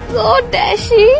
so dashing.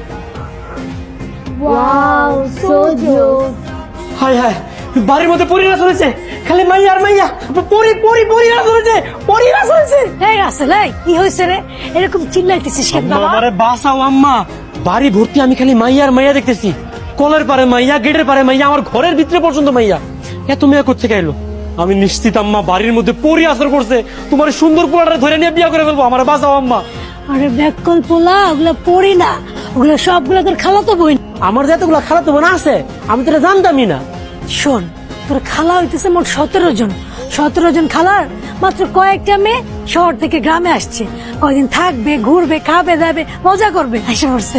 Wow, so cute. হায় হায়, বাড়ির মধ্যে পরিরা চলেছে, খালি মাইয়া আর মাইয়া। পরিরা চলেছে, পরিরা চলেছে। এই রাসেল, এই কি হয়েছে রে? এরকম চিল্লাইতেছিস কেন বাবা? আমারে বাঁচাও আম্মা, বাড়ি ভর্তি আমি খালি মাইয়া আর মাইয়া দেখতেছি। কলের পারে মাইয়া, গেটের পারে মাইয়া, আমার ঘরের ভিতরে পর্যন্ত মাইয়া। এত মেয়া কোত্থেকে এলো? আমি নিশ্চিত আম্মা বাড়ির মধ্যে পরি আসর করছে। তোমার সুন্দর পোলাটা ধরে নিয়ে বিয়া করে ফেলবো। আমার বাঁচাও আম্মা। আরে ব্যাককল পোলা, ওগুলা পড়ি না, ওগুলা সবগুলা তোর খালাতো বোন। আমার যে এতগুলা খালাতো বোন আছে, আমি তো এটা জানতামই না। শোন, তোর খালা হইতেছে মোট 17 জন। 17 জন খালার মাত্র কয়েকটা মেয়ে শহর থেকে গ্রামে আসছে। কয়দিন থাকবে, ঘুরবে, খাবে, দাবে, মজা করবে, এসে পড়ছে।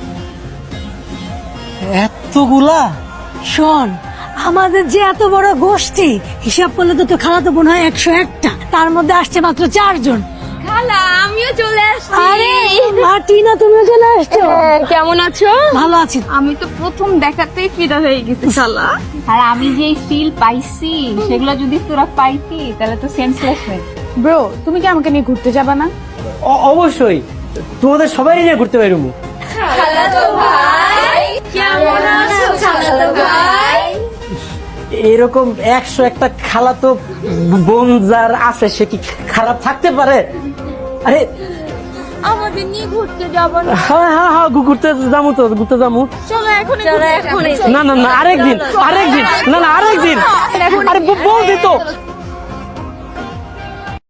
এতগুলা? শোন, আমাদের যে এত বড় গোষ্ঠী, হিসাব করলে তো তোর খালাতো বোন হয় 101টা, তার মধ্যে আসছে মাত্র 4 জন। খালা, আমিও চলে আসছি। আরে মার্টিনা, তুমিও চলে আসছো? কেমন আছো? ভালো আছি। আমি তো প্রথম দেখাতেই ফিদা হয়ে গেছি খালা। আর আমি যে ফিল পাইছি সেগুলো যদি তোরা পাইতি তাহলে তো সেন্সলেস হয়ে। ব্রো, তুমি কি আমাকে নিয়ে ঘুরতে যাবা না? অবশ্যই, তোমাদের সবাই নিয়ে ঘুরতে পারবো। খালাতো ভাই, কেমন আছো খালাতো ভাই? এরকম 101টা খালাতো বোন যার আছে, সে কি খারাপ থাকতে পারে? আরে আমাদের নিয়ে ঘুরতে যাবো না? হ্যাঁ, ঘুরতে যাবো তো, ঘুরতে যাবো। চলো এখনই না আরেকদিন, না আরেকদিন। আরে বলছি তো,